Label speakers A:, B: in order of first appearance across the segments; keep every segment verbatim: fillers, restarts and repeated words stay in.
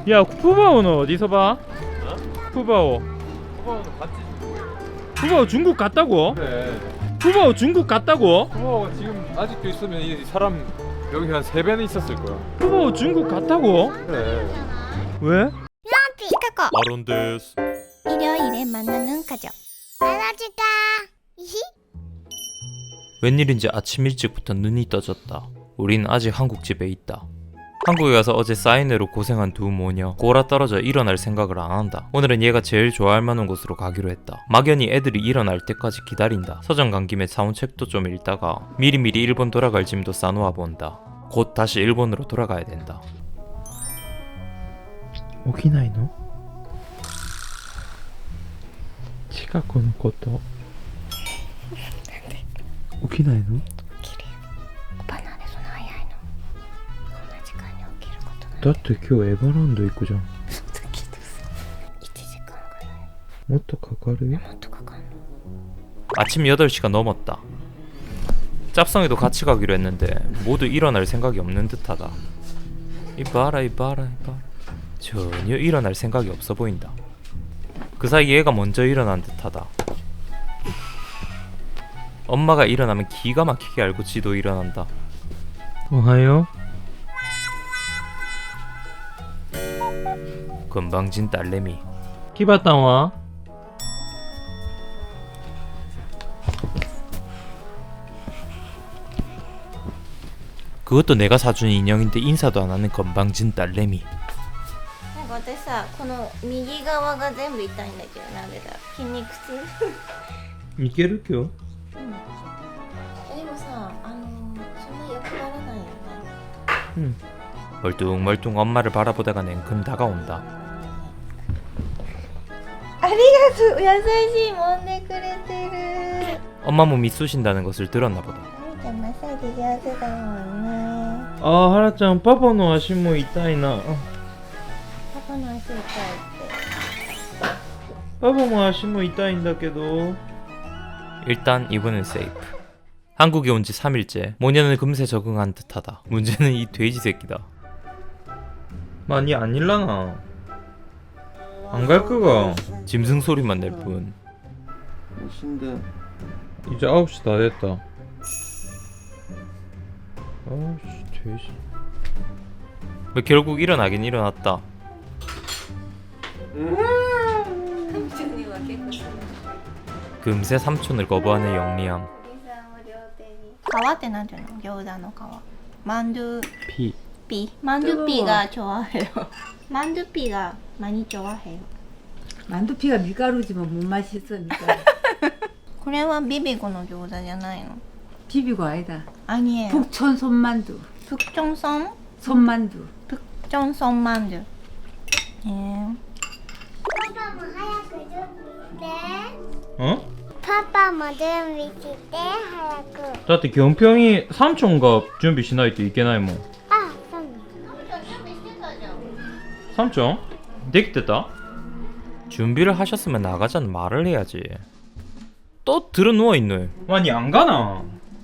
A: 야 푸바오는 어디서 봐?
B: 어?
A: 푸바오
B: 푸바오는 같이
A: 푸바오 중국 갔다고?
B: 그래.
A: 푸바오 중국 갔다고?
B: 푸바오가 지금 아직도 있으면 이 사람 여기 한 세 배는 있었을 거야.
A: 푸바오 중국 갔다고?
B: 그래.
A: 왜?
C: 시카고
B: 아론데스.
C: 일요일에 만나는 가족 알아줄까? 이히?
D: 웬일인지 아침 일찍부터 눈이 떠졌다. 우린 아직 한국집에 있다. 한국에 가서 어제 사인회로 고생한 두 모녀 골아 떨어져 일어날 생각을 안 한다. 오늘은 얘가 제일 좋아할 만한 곳으로 가기로 했다. 막연히 애들이 일어날 때까지 기다린다. 서점 간 김에 사온 책도 좀 읽다가 미리미리 일본 돌아갈 짐도 싸놓아 본다. 곧 다시 일본으로 돌아가야 된다.
A: 오키나이노? 치카코のこと起きないの？
C: 起きるよ。おばなんでそんな早いの？こんな時間に起きることなんて。
A: だって今日エヴァランド行くじゃん。
C: そんな聞いてさいちじかんぐらい
A: もっとかかるよ。
C: もっとかかんの？
D: 아침 여덟 시가 넘었다. 짭성이도 같이 가기로 했는데 모두 일어날 생각이 없는 듯하다. 이봐라 이봐라 이봐라. 전혀 일어날 생각이 없어 보인다. 그 사이 얘가 먼저 일어난 듯하다. 엄마가 일어나면 기가 막히게 알고 지도 일어난다.
A: 오하요?
D: 건방진 딸내미.
A: 키바타와?
D: 그것도 내가 사준 인형인데 인사도 안 하는 건방진 딸내미.
C: なんか私さこの右側が全部痛いんだけどなんでだ筋肉痛
A: いける今日？
C: でもさあのそんなよくならないよね
A: 응.
D: 멀뚱멀뚱 엄마를 바라보다가 냉큼 다가온다.
C: ありがとう優しい揉んでくれてる
D: 엄마 몸이 쑤신다는 것을 들었나 보다.
C: あみちゃんマッサージ上手だもんね
A: 아 하라짱パパの足も痛いな。
C: パパの足痛いって
A: パパも足も痛いんだけど。
D: 일단 이번엔 세이프. 한국에 온 지 삼 일째. 모녀는 금세 적응한 듯하다. 문제는 이 돼지 새끼다.
A: 많이 안 일라나. 안 갈 거가.
D: 짐승 소리만 낼 뿐.
B: 신데.
A: 이제 아홉 시 다 됐다. 아씨 돼지.
D: 뭐 결국 일어나긴 일어났다.
C: 三촌には結構する
D: 금세 삼촌을 거부하는 영리함.
C: 皮ってなんていうの餃子の皮マンドゥ
A: 피.
C: ピマンドゥピが좋아해요マンドゥピが많이 좋아해요
E: 만두피가 밀가루지만 못 맛있으니까.
C: これはビビゴの餃子じゃないの
E: 비비고 아니다.
C: 아니에요
E: 북촌 손만두.
C: 북정섬
E: 손만두.
C: 북정섬 만두 예.
A: 어?
F: 파파 뭐 준비して早く
A: 다って 경평이 삼촌가 준비しないといけないもん。
F: あ、そうなの
A: 삼촌? できてた?
D: 준비를 하셨으면 나가자는 말을 해야지. 또 들어 누워있네.
A: 아니 안 가나?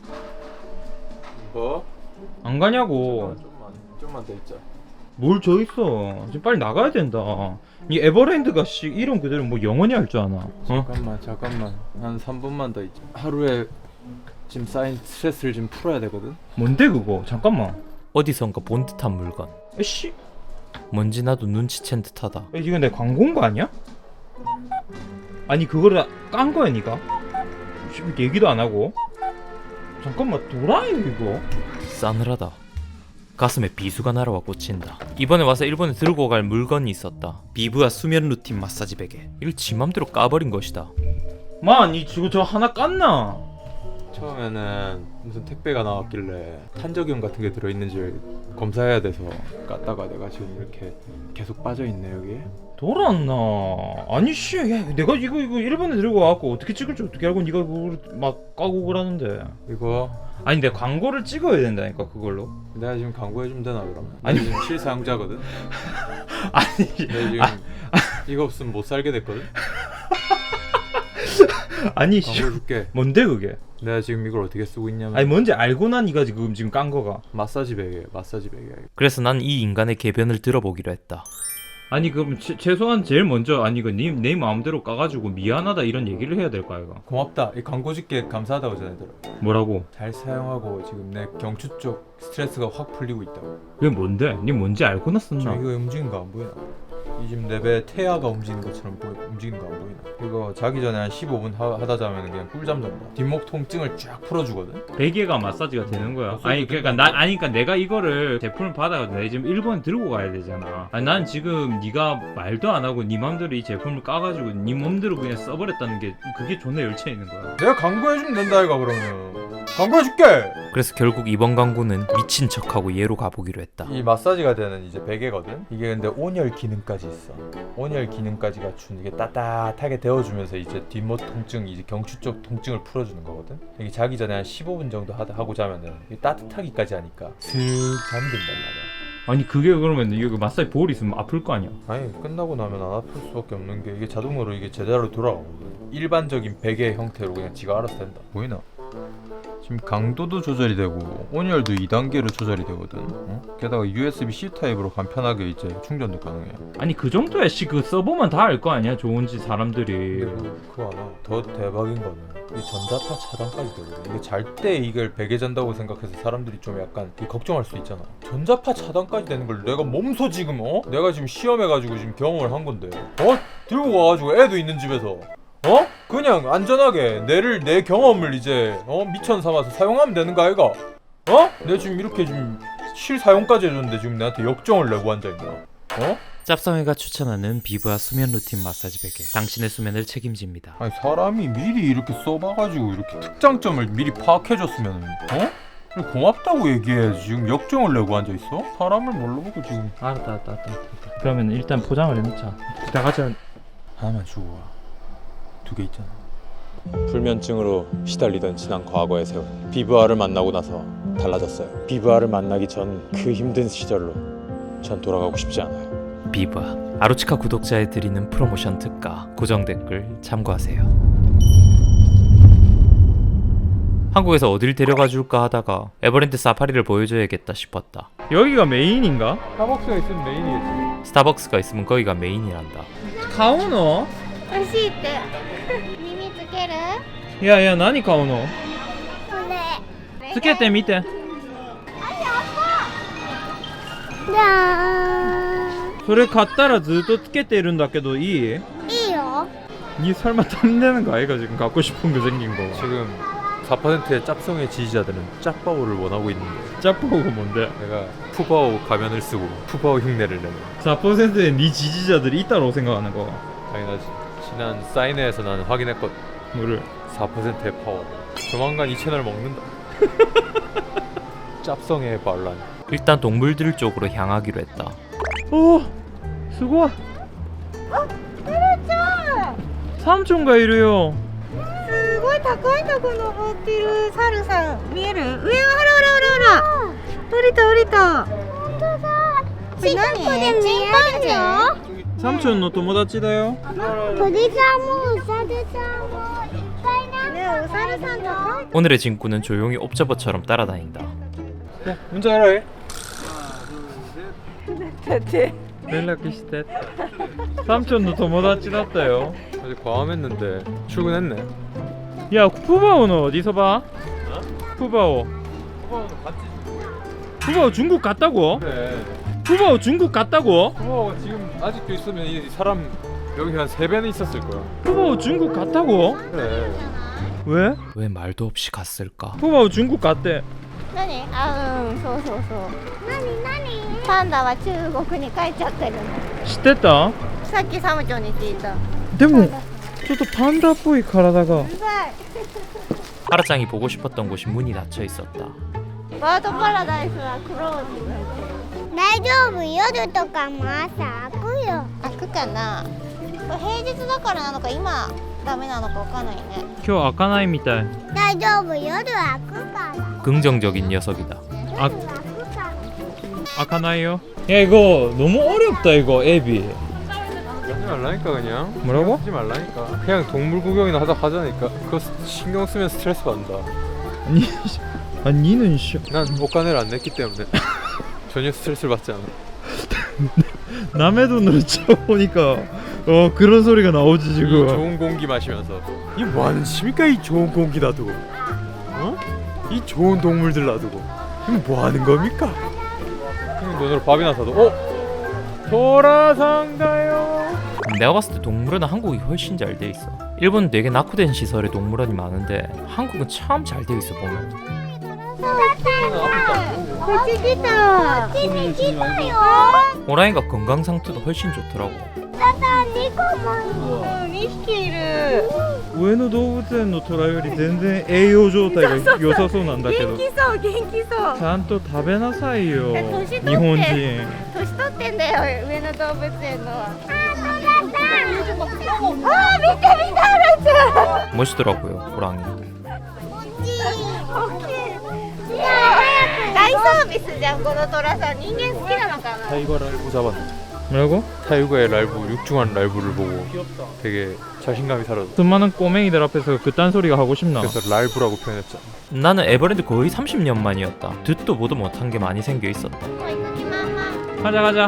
B: 뭐?
A: 안 가냐고.
B: 좀만 좀만 더 있자.
A: 뭘 저 있어. 지금 빨리 나가야 된다. 이 에버랜드가 씨 이름 그대로 뭐 영원히 할 줄 아나? 어?
B: 잠깐만 잠깐만 한 삼 분만 더 있자. 하루에 지금 쌓인 스트레스를 좀 풀어야 되거든.
A: 뭔데 그거? 잠깐만.
D: 어디선가 본 듯한 물건.
A: 에씨.
D: 뭔지 나도 눈치챈 듯하다.
A: 이거 내 광고인 거 아니야? 아니 그거를 깐 거야 니가? 씨, 얘기도 안 하고. 잠깐만 도라이 이거.
D: 싸늘하다. 가슴에 비수가 날아와 꽂힌다. 이번에 와서 일본에 들고 갈 물건이 있었다. 비브와 수면 루틴 마사지 베개. 이걸 지 맘대로 까버린 것이다.
A: 마, 니 지금 저 하나 깠나?
B: 처음에는 무슨 택배가 나왔길래 탄저균 같은 게 들어있는지 검사해야 돼서 깠다가 내가 지금 이렇게 계속 빠져있네 여기에.
A: 돌았나? 아니 씨, 야, 내가 이거 이거 일본에 들고 와갖고 어떻게 찍을지 어떻게 알고 니가 그걸 막 까고 그러는데.
B: 이거
A: 아니 내 광고를 찍어야 된다니까 그걸로.
B: 내가 지금 광고해주면 되나 그러면?
A: 아니.
B: 아니 지금 실사용자거든?
A: 아니
B: 내가 지금 이거 없으면 못 살게 됐거든?
A: 아니 씨,
B: 광고해줄게.
A: 뭔데 그게?
B: 내가 지금 이걸 어떻게 쓰고 있냐면
A: 아니 뭔지 알고 난 니가 지금 지금 깐 거가.
B: 마사지 베개 마사지 베개.
D: 그래서 난 이 인간의 개변을 들어보기로 했다.
A: 아니 그럼 최, 최소한 제일 먼저 아니 그네 내 마음대로 까가지고 미안하다 이런 얘기를 해야 될 거 아이가.
B: 고맙다. 이 광고 줄게 감사하다고 전해들어.
A: 뭐라고?
B: 잘 사용하고 지금 내 경추 쪽 스트레스가 확 풀리고 있다고.
A: 그게 뭔데? 니 뭔지 알고
B: 지금
A: 났었나?
B: 이거 움직이는 거 안 보이나? 이 지금 내 배 태아가 움직이는 것처럼 보이, 움직이는 거 안 보이나? 이거 자기 전에 한 십오 분 하, 하다 자면 그냥 꿀잠 잔다. 뒷목 통증을 쫙 풀어주거든.
A: 베개가 마사지가 되는 거야.
B: 마사지가
A: 아니 그러니까 나 아니 그러니까 내가 이거를 제품을 받아가지고 내가 지금 일본 들고 가야 되잖아. 아니 난 지금 네가 말도 안 하고 네 맘대로 이 제품을 까가지고 네 맘대로 그냥 써버렸다는 게 그게 존나 열차 있는 거야.
B: 내가 광고해주면 된다 이거 그러면. 광고해줄게.
D: 그래서 결국 이번 광고는 미친 척하고 얘로 가보기로 했다.
B: 이 마사지가 되는 이제 베개거든. 이게 근데 온열 기능까지 있어. 온열 기능까지 갖춘 이게 따뜻하게 데워주면서 이제 뒷목 통증, 이제 경추 쪽 통증을 풀어주는 거거든. 이게 자기 전에 한 십오 분 정도 하다 하고 자면은 이게 따뜻하기까지 하니까 슥 잠든단 말이야.
A: 아니 그게 그러면 이게 그 마사지 볼 있으면 아플 거 아니야?
B: 아니 끝나고 나면 안 아플 수밖에 없는 게 이게 자동으로 이게 제대로 돌아가거든. 일반적인 베개 형태로 그냥 지가 알아서 된다. 보이나? 지금 강도도 조절이 되고 온열도 이 단계로 조절이 되거든. 어? 게다가 유에스비-C 타입으로 간편하게 이제 충전도 가능해.
A: 아니 그 정도야 씨 그 써보면 다 알 거 아니야 좋은지 사람들이.
B: 근데 그, 그거 하나 더 대박인 거는 이 전자파 차단까지 되거든. 이게 잘 때 이걸 베개 잔다고 생각해서 사람들이 좀 약간 이 걱정할 수 있잖아. 전자파 차단까지 되는 걸 내가 몸소 지금 어? 내가 지금 시험해가지고 지금 경험을 한 건데 어? 들고 와가지고 애도 있는 집에서 어? 그냥 안전하게 내를 내 경험을 이제 어? 미천 삼아서 사용하면 되는 거 아이가? 어? 내가 지금 이렇게 지금 실사용까지 해줬는데 지금 내한테 역정을 내고 앉아있나? 어?
D: 짭성이가 추천하는 비브아 수면 루틴 마사지 베개. 당신의 수면을 책임집니다.
B: 아니 사람이 미리 이렇게 써봐가지고 이렇게 특장점을 미리 파악해줬으면 어? 고맙다고 얘기해. 지금 역정을 내고 앉아있어? 사람을 뭘로 보고 지금.
A: 알았다 알았다 알았다. 그러면 일단 포장을 해놓자. 다 가져.
B: 하나만 주고 와. 두 개 있잖아. 불면증으로 시달리던 지난 과거의 세월. 비브아를 만나고 나서 달라졌어요. 비브아를 만나기 전 그 힘든 시절로 전 돌아가고 싶지 않아요.
D: 비브아. 아로치카 구독자에 드리는 프로모션 특가. 고정 댓글 참고하세요. 한국에서 어딜 데려가 줄까 하다가 에버랜드 사파리를 보여줘야겠다 싶었다.
A: 여기가 메인인가?
B: 스타벅스가 있으면 메인이겠지.
D: 스타벅스가 있으면 거기가 메인이란다.
A: 카오노?
C: 美味しいって耳つける
A: いやいや何買うの？
F: これ
A: つけてみて。
F: じゃー
A: それ買ったらずっとつけてるんだけどいい？
F: んいいよ
A: 니 설마 탐내는 거 아이가 지금 갖고 싶은 거 생긴 거.
B: 지금 사 퍼센트의 짭성의 지지자들은 짭바오를 원하고 있는데
A: 짭보고 뭔데?
B: 내가 푸바오 가면을 쓰고 푸바오 흉내를 내는.
A: 사 퍼센트의 니 지지자들이 있다고 생각하는 거.
B: 당연하지. 지난 사인회에서 나는 확인했거든.
A: 뭐를?
B: 사 퍼센트의 파워. 조만간 이 채널 먹는다. 짭성의 반란.
D: 일단 동물들 쪽으로 향하기로 했다.
A: 오! 수고! 삼촌가 이래요.
C: すごい高いとこ登ってるサルさん見える上はほらほらほらほら降りた降りた本当だこれ何チンパンジー
A: 삼촌 너 도모다치다요.
F: 鳥さんもウサギさんもいっぱいな
C: ねお猿さん高い
D: 오늘의 친구는 조용히 옵저버처럼 따라다닌다.
B: 야, 운전하라 해.
A: 연락시대. 삼촌 너 도모다치だったよ.
B: 어제 과음했는데 출근했네.
A: 야 푸바오는 어디서 봐? 푸바오.
B: 푸바오는 같이
A: 푸바오 중국 갔다고?
B: 그래.
A: 푸바오 중국 갔다고?
B: 푸바오가 지금 아직도 있으면 이 사람 여기 한 세 배는 있었을 거야.
A: 푸바오 중국 갔다고?
B: 그래.
A: 왜?
D: 왜 말도 없이 갔을까?
A: 푸바오 중국 갔대.
C: 何あうんそうそうそう
F: 何何
C: パンダは中国に帰っちゃってるの
A: 知ってた?
C: さっきサムチョンに聞いた
A: 근데ちょっとパンダっぽい体が
C: うるさい
D: 하라짱이 보고 싶었던 곳이 문이 닫혀 있었다.
C: バードパラダイスはクローズ
F: 大丈夫夜とかも朝開くよ
C: 開くかなこれ平日だからなのか今ダメなのかわかんないね
A: 今日開かないみたい。
F: 大丈夫夜開くから
D: 긍정적인 녀석이다.
A: 아,
F: 夜開くから
A: 開かないよ. 야 이거 너무 어렵다 이거 앱이.
B: 하지 말라니까 그냥.
A: 뭐라고?
B: 하지 말라니까. 그냥 동물 구경이나 하다 하자니까. 그거 신경 쓰면 스트레스 받는다.
A: 아니, 아니 니는 씨.
B: 난 옷가네를 안 냈기 때문에 전혀 스트레스를 받지 않아.
A: 남의 돈으로 쳐보니까 어 그런 소리가 나오지
B: 이
A: 지금.
B: 좋은 공기 마시면서 이 뭐하는 짓입니까? 이 좋은 공기 놔두고 어? 이 좋은 동물들 놔두고 이거 뭐하는 겁니까? 형님 돈으로 밥이나 사도 어? 돌아상가요.
D: 내가 봤을 때 동물원은 한국이 훨씬 잘 돼 있어. 일본은 되게 낙후된 시설의 동물원이 많은데 한국은 참 잘 돼 있어 보면.
C: こっち来た
F: こっちに来たよ。
D: 호랑이가 건강 상태도 훨씬 좋더라고.
F: ただニコも
C: にひきいる
A: 上野動物園の虎より全然栄養状態が良さそうなんだけど
C: 元気そう元気そう
A: ちゃんと食べなさいよ
C: え年取って
A: 日本人
C: 年取ってんだよ上野動物園のは
F: あ、そうだった。
C: あー見て見てあらちゃん
D: 멋있더라고요 호랑이.
C: 大きい大サービスじゃんこの虎さん人間好きなのかな
B: 타이거 랄부 잡았네.
A: 뭐라고?
B: 타이거의 랄부 육중한 랄부를 보고 되게 자신감이 사라졌어.
A: 수많은 꼬맹이들 앞에서 그딴 소리가 하고 싶나?
B: 그래서 랄부라고 표현했잖아.
D: 나는 에버랜드 거의 삼십 년 만이었다. 듣도 보도 못한 게 많이 생겨 있었다.
A: 가자 가자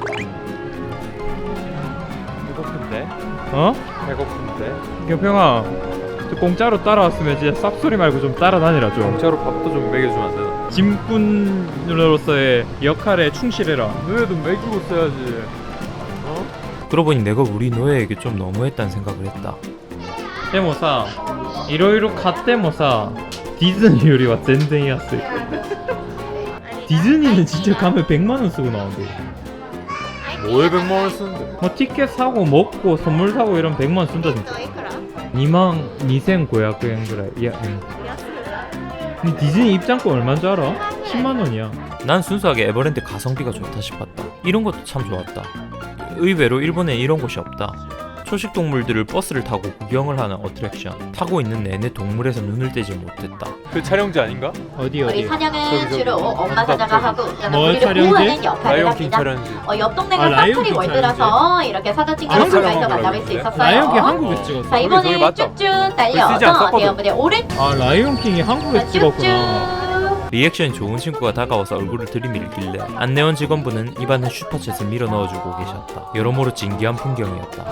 B: 배고픈데?
A: 어?
B: 배고픈데?
A: 경평아 공짜로 따라왔으면 진짜 쌉소리 말고 좀 따라다니라 좀
B: 공짜로 밥도 좀 먹여주면 안 되나?
A: 짐꾼으로서의 역할에 충실해라
B: 너희도 먹이고 써야지. 어?
D: 그러고 보니 내가 우리 노예에게 좀 너무했다는 생각을 했다.
A: でもさいろいろ買ってもさディズニーよりは全然安いディズニー는 진짜 가면 백만 원 쓰고 나온대
B: 뭐에 백만 원 쓰는데?
A: 뭐 티켓 사고 먹고 선물 사고 이러면 백만 원 쓴다 진짜
C: いくら
A: 이만 이천오백 엔ぐらい いや응 근데 디즈니 입장권 얼마인 줄 알아? 십만 원이야
D: 난 순수하게 에버랜드 가성비가 좋다 싶었다. 이런 것도 참 좋았다. 의외로 일본에 이런 곳이 없다. 초식 동물들을 버스를 타고 구경을 하는 어트랙션. 타고 있는 내내 동물에서 눈을 떼지 못했다.
B: 그 촬영지 아닌가?
A: 어디
G: 우리
A: 어디
G: 사냥은
B: 저기, 저기.
G: 주로 엄마 사자가 하고
A: 뭐
G: 우리를
A: 촬영지?
G: 보호하는 역할을
B: 라이온킹
G: 합니다.
B: 촬영지.
G: 어, 옆 동네가
A: 아, 라이온킹
G: 사투리 월드라서 이렇게 사진 찍는
B: 아,
G: 순간에서
B: 촬영하고
G: 만나볼 수
B: 그러는데?
G: 있었어요.
A: 라이온킹 한국에서 찍었어
G: 자
B: 저기
G: 이번에
B: 맞죠?
G: 쭉쭉
B: 쓰지
G: 달려서
B: 않았거든.
G: 대부분의 오른
A: 아 라이온킹이 한국에서 찍었구나
G: 쭉쭉
D: 리액션이 좋은 친구가 다가와서 얼굴을 들이밀길래 안내원 직원분은 입안에 슈퍼챗을 밀어 넣어주고 계셨다. 여러모로 진기한 풍경이었다.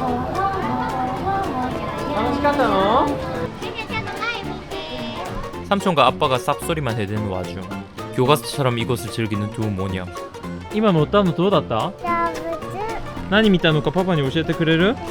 D: 삼촌과 아빠가 쌉소리만 해대는 와중 교과서처럼 이곳을 즐기는 두 모녀.
A: 今乗ったのどうだった
F: 動物。
A: 何見たのかパパに教えてくれる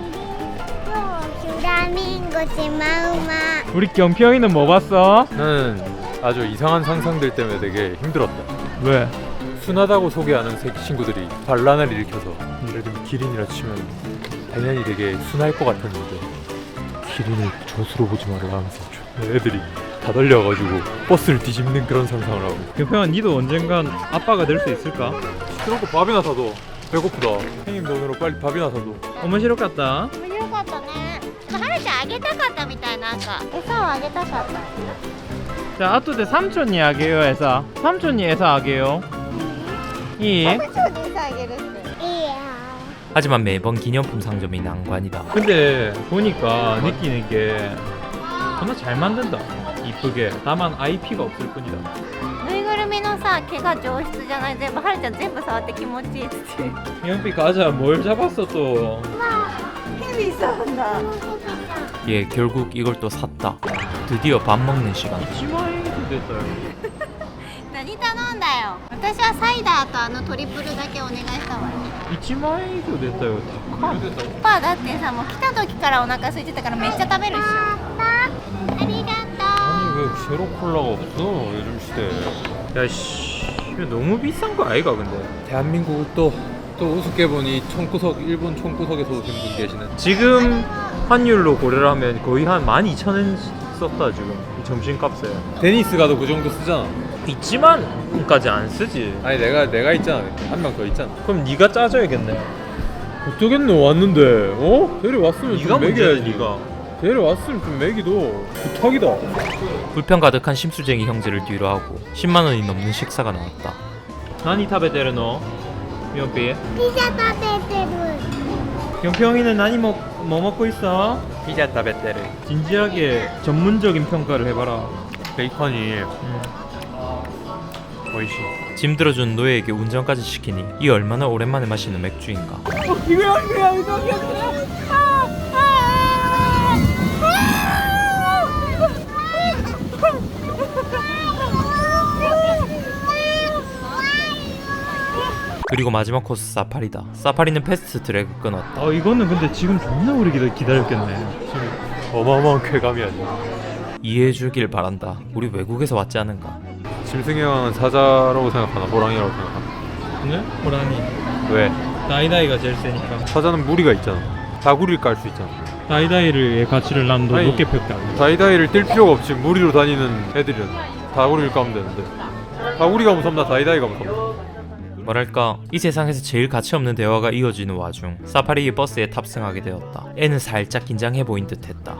F: フラミンゴ、シマウマ。
A: 우리 경평이는 뭐 봤어?
B: 나는 아주 이상한 상상들 때문에 되게 힘들었다.
A: 왜?
B: 순하다고 소개하는 새 친구들이 반란을 일으켜서 예를 들면 기린이라 치면 당연히 되게 순할 것 같았는데 기린을 조수로 보지 말라 하면서 애들이 다 달려가지고 버스를 뒤집는 그런 상상을 하고
A: 경평아 니도 언젠간 아빠가 될 수 있을까?
B: 그런 거 밥이나 사도 배고프다. 형님 돈으로 빨리 밥이나 사도.
A: 面白かった
C: 面白かったねはるちゃんあげたかったみたいなんか餌をあげたかった
A: 자, 아토데 삼촌이 하게요, 에사. 삼촌이 에사 하게요. 이.
C: 三촌に餌あげるって
F: いいよ。
D: 하지만 매번 기념품 상점이 난관이다.
A: 근데 보니까 느끼는 게 정말 잘 만든다. 이쁘게. 다만 아이피가 없을 뿐이다.
C: ぬいぐるみのさ毛が上質じゃない全部はるちゃん全部触って気持ちいいっつって
A: 연비 가자. 뭘 잡았어 또?
C: ヘビさんだ
D: 예, 결국 이걸 또 샀다. 드디어 밥 먹는 시간.
A: 이치마에도 됐어요.
C: 何頼んだよ私はサイダーとあのトリプルだけお願いしたわ
A: 이치마에도 됐어요. 다
C: パパだってさもう来た時からお腹空いてたからめっちゃ食べるっしょありがと
B: 아니 왜 제로 콜라가 없어 요즘 시대에.
A: 야씨. 이거 너무 비싼 거 아이가 근데?
B: 대한민국을 또, 또 우습게 보니 총구석 일본 총구석에서 오신 분 계시는.
A: 지금 환율로 고려를 하면 거의 한 만 이천 엔 썼다 지금. 이 점심값에.
B: 데니스 가도 그 정도 쓰잖아.
A: 있지만 까지 안 쓰지.
B: 아니 내가 내가 있잖아. 한 명 더 있잖아.
A: 그럼 네가 짜줘야겠네.
B: 어쩌겠노 왔는데 어? 데려왔으면
A: 네가
B: 좀
A: 문제야
B: 먹여야지.
A: 네가.
B: 데려왔으면 좀 먹이도 부탁이다.
D: 불평 가득한 심수쟁이 형제를 뒤로 하고 십만 원이 넘는 식사가 나왔다.
A: 何食べてるの? 연비.
F: ピザ食べてる。
A: 경평이는 나니 먹, 뭐 먹고 있어?
B: 피자 타베테르.
A: 진지하게 전문적인 평가를 해봐라.
B: 베이컨이
A: 음.
B: 어이씨.
D: 짐 들어준 노예에게 운전까지 시키니 이 얼마나 오랜만에 마시는 맥주인가. 그리고 마지막 코스 사파리다. 사파리는 패스트 트랙을 끊었다.
A: 어 이거는 근데 지금 존나 오래 기다, 기다렸겠네.
B: 어마어마한 쾌감이 아니야.
D: 이해해주길 바란다. 우리 외국에서 왔지 않은가.
B: 짐승의 왕은 사자라고 생각하나 호랑이라고 생각하나?
A: 네? 호랑이.
B: 왜?
A: 다이다이가 제일 세니까.
B: 사자는 무리가 있잖아. 다구리를 깔 수 있잖아.
A: 다이다이를 가치를 난 더
B: 아니,
A: 높게 평가.
B: 다이다이를 뛸 필요가 없지. 무리로 다니는 애들은 다구리를 까면 되는데. 다구리가 무섭나 다이다이가 무섭나?
D: 뭐랄까 이 세상에서 제일 가치없는 대화가 이어지는 와중 사파리 버스에 탑승하게 되었다. 애는 살짝 긴장해 보인 듯했다.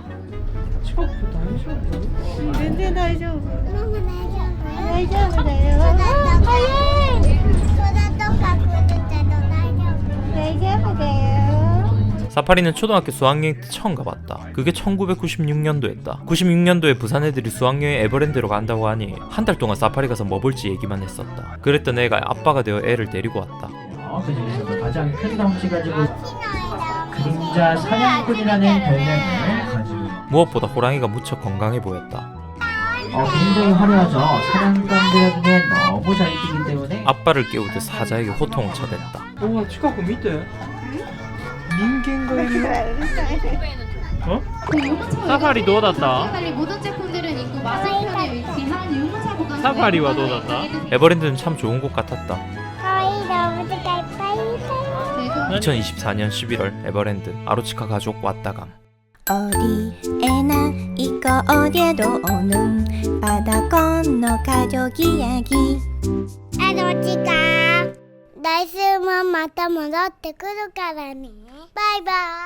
C: 全然大丈夫
F: ママ大丈夫
C: 大丈夫だよ
F: 空とか
C: 早い
F: 空とか来るけど大丈夫
C: 大丈夫だよ
D: 사파리는 초등학교 수학여행 때 처음 가봤다. 그게 천구백구십육 년도였다. 구십육 년도에 부산 애들이 수학여행 에버랜드로 간다고 하니 한 달 동안 사파리 가서 뭐 볼지 얘기만 했었다. 그랬던 애가 아빠가 되어 애를 데리고 왔다.
H: 그 중에서도 가장 큰 덩치 가지고 그림자 사냥꾼이라는 별명을 가지고
D: 무엇보다 호랑이가 무척 건강해 보였다.
H: 어, 굉장히 화려하죠. 사냥감들에 눈에 너무 잘 띄기 때문에
D: 아빠를 깨우듯 사자에게 호통을 쳐댔다.
A: 우와 치카고 밑에. 어? 사파리どうだった
G: 모든 제품들은 있고 맞은편에 위치한 유모차 보관.
A: 사파리와 どうだった
D: 에버랜드는 참 좋은 곳 같았다.
F: かわいい動物がいっぱいいたよ
D: 이천이십사 년 십일월 에버랜드 아로치카 가족 왔다감.
F: 어디 에나 이거어디에도오는 바다건너 가족 이야기 아로치카来週もまた戻ってくるからねバイバイ